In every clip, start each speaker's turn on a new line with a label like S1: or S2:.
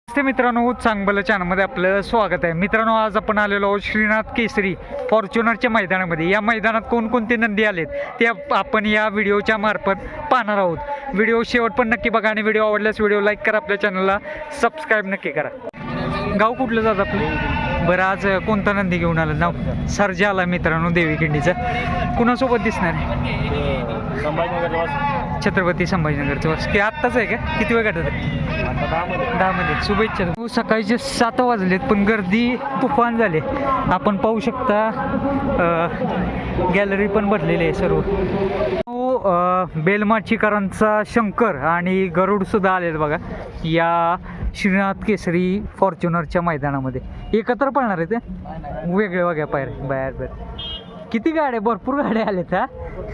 S1: नमस्ते मित्रांनो, चांगलं चॅनलमध्ये आपलं स्वागत आहे. मित्रांनो, आज आपण आलेलो आहोत श्रीनाथ केसरी फॉर्च्युनरच्या मैदानामध्ये. या मैदानात कोणकोणते नंदी आलेत ते आपण या व्हिडिओच्या मार्फत पाहणार आहोत. व्हिडिओ शेवट पण नक्की बघा आणि व्हिडिओ आवडल्यास व्हिडिओ लाईक करा, आपल्या चॅनलला सबस्क्राईब नक्की करा. गाव कुठलं जात आपलं? बरं, आज कोणता नंदी घेऊन आलं? नाव सर्जा आला मित्रांनो देवीखिंडीचा. कुणासोबत दिसणार आहे? छत्रपती संभाजीनगरचं बस की आत्ताच आहे का? किती वेळ गाठत? 10 मध्ये. शुभेच्छा. सकाळचे 7 वाजलेत पण गर्दी तुफान झाले. आपण पाहू शकता गॅलरी पण भरलेली आहे सर्व. बेलमाचीकरांचा शंकर आणि गरुड सुद्धा आलेत बघा या श्रीनाथ केसरी फॉर्च्युनरच्या मैदानामध्ये. एकत्र पळणार आहे ते वेगळे वेगळ्या बाहेर. किती गाड्या? भरपूर गाड्या आल्यात. हा,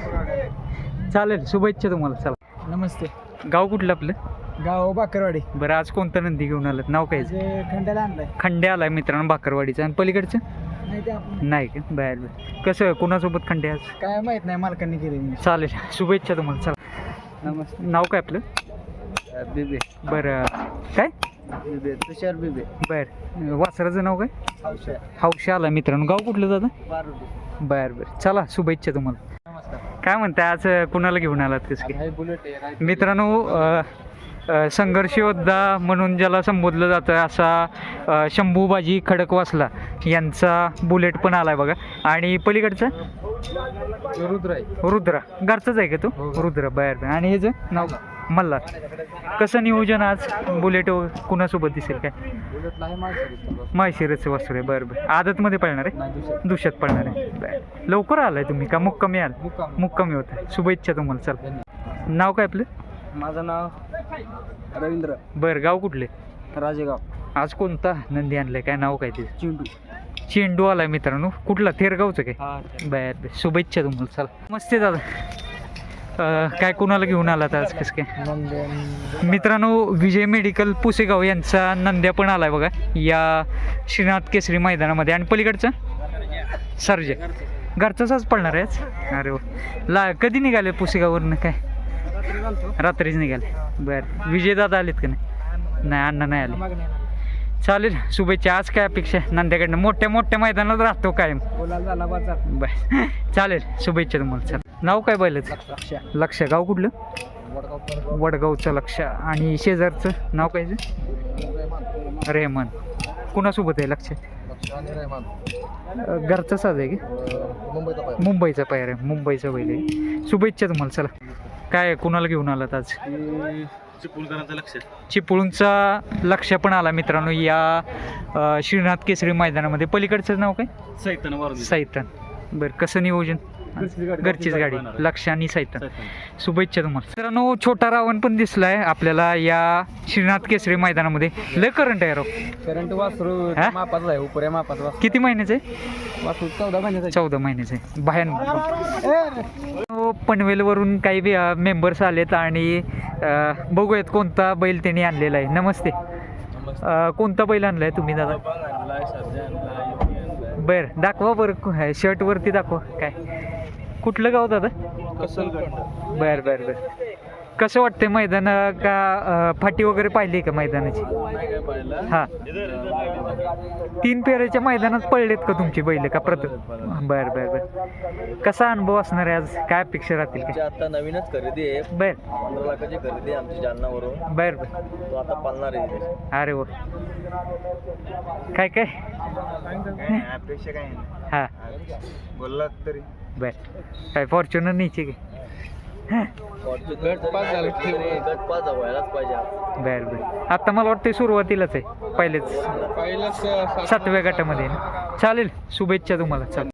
S1: चालेल. शुभेच्छा तुम्हाला. चला.
S2: नमस्ते.
S1: गाव कुठलं आपलं?
S2: गाव बाकरवाडी.
S1: बरं, आज कोणता नंदी घेऊन आलं? नाव काय?
S2: खंड्याला आणलाय.
S1: खंड्या आलाय मित्रांनो बाकरवाडीचं. आणि पलीकडचं नाही का? बाहेर. कसं कुणासोबत खंडे आज?
S2: काय माहित नाही, मालकांनी केले.
S1: चालेल. शुभेच्छा तुम्हाला. चला.
S2: नमस्ते.
S1: नाव काय आपलं?
S2: बिबे.
S1: बरं, काय?
S2: बिबे, तुषार बिबे.
S1: बरं, वासराचं नाव काय?
S2: हौशा.
S1: हौशा आला मित्रांनो. गाव कुठलं जातं?
S2: बारुडी.
S1: बरं. चला, शुभेच्छा तुम्हाला.
S2: नमस्कार.
S1: काय म्हणताय आज? कुणाला घेऊन आलात कसं काय?
S2: बुलेट
S1: मित्रांनो, संघर्ष योद्धा म्हणून ज्याला संबोधलं जातं असा शंभूबाजी खडकवासला यांचा बुलेट पण आलाय बघा. आणि पलीकडचा
S2: रुद्र आहे.
S1: रुद्रा घरचाच आहे का तो? रुद्र. बाहेर. आणि ह्याचं नाव मल्हार. कसं नियोजन आज? बुलेट कुणासोबत दिसेल काय?
S2: बुलेटला आहे
S1: माळशिरसचं वासरू आहे. बरं. आदतमध्ये पळणार आहे? दुष्यात पळणार आहे. बरं. लवकर आलाय तुम्ही का मुक्कामी आल? मुक्कामी होतं. शुभेच्छा तुम्हाला. चल. नाव काय आपलं?
S2: माझं नाव रवींद्र.
S1: बरं. गाव कुठले?
S2: राजेगाव.
S1: आज कोणता नंदी आणलाय? काय नाव काय ते?
S2: चिंटू.
S1: चेंडू आलाय मित्रांनो. कुठला? थेरगावचं काय? बर. शुभेच्छा तुम्हाला. चला. मस्त दादा. काय कुणाला घेऊन आलात आज कसं काय? मित्रांनो, विजय मेडिकल पुसेगाव यांचा नंद्या पण आलाय बघा या श्रीनाथ केसरी मैदानामध्ये. आणि पलीकडचा सर्जे घरचाच आज पडणार आहे आज. अरे वा. कधी निघाले पुसेगाववरनं? काय रात्रीच निघाले. बरं. विजयदादा आलेत का नाही? नाही, अण्णा नाही आले. चालेल. शुभेच्छा. आज काय अपेक्षा नंद्याकडनं? मोठ्या मैदानात राहतो कायम. बर. चालेल. शुभेच्छा तुम्हाला. चल. नाव काय बैलाचं? लक्ष. गाव कुठलं? वडगावचं लक्ष. आणि शेजारचं नाव काय? रेहमान. कुणासोबत आहे लक्ष? घरचा साज आहे की मुंबईचा पायर आहे? मुंबईचा बैल आहे. शुभेच्छा तुम्हाला. चला. काय कुणाला घेऊन आलात आज? चिपळूणचा लक्ष पण आला मित्रांनो या श्रीनाथ केसरी मैदानामध्ये. पलीकडचं नाव काय? सैतान. बरं. कसं नियोजन? घरचीच गाडी. लक्ष आणि सैतान. शुभेच्छा तुम्हाला. मित्रांनो, छोटा रावण पण दिसलाय आपल्याला या श्रीनाथ केसरी मैदानामध्ये. लय करंट आहे राव.
S2: करंट वासरू मापाचा आहे. उपऱ्या मापाचा.
S1: किती महिन्याचं आहे?
S2: वासरू 14 महिन्याचा.
S1: 14 महिन्याचं आहे. पनवेलवरून काही मेंबर्स आलेत आणि बघूयात कोणता बैल त्यांनी आणलेला आहे. नमस्ते. कोणता बैल आणलाय तुम्ही दादा? बरं. दाखवा बरं. शर्टवरती दाखवा. काय कुठलं गाव दादा? बरं. कसं वाटतंय मैदान? का फाटी वगैरे पाहिली का मैदानाची? हां. 3 फेऱ्याच्या मैदानात पडलेत का तुमची बैल का प्रथम? बरं. कसा अनुभव असणार आहे आज? काय अपेक्षा राहतील का?
S2: आता नवीनच खरेदी आहे. 15 लाखाची खरेदी आहे आमची जालनावरून.
S1: बरं.
S2: तो आता पालणार आहे.
S1: अरे वा. काय
S2: अपेक्षा काय नाही.
S1: हां.
S2: बोलला तरी.
S1: बरं. काय फॉर्च्युनर न्यायची काय?
S2: गट पाच व्हायलाच पाहिजे.
S1: बरं. आता मला वाटतं सुरुवातीलाच आहे. पहिलेच 7व्या गटामध्ये. चालेल. शुभेच्छा तुम्हाला. चालेल.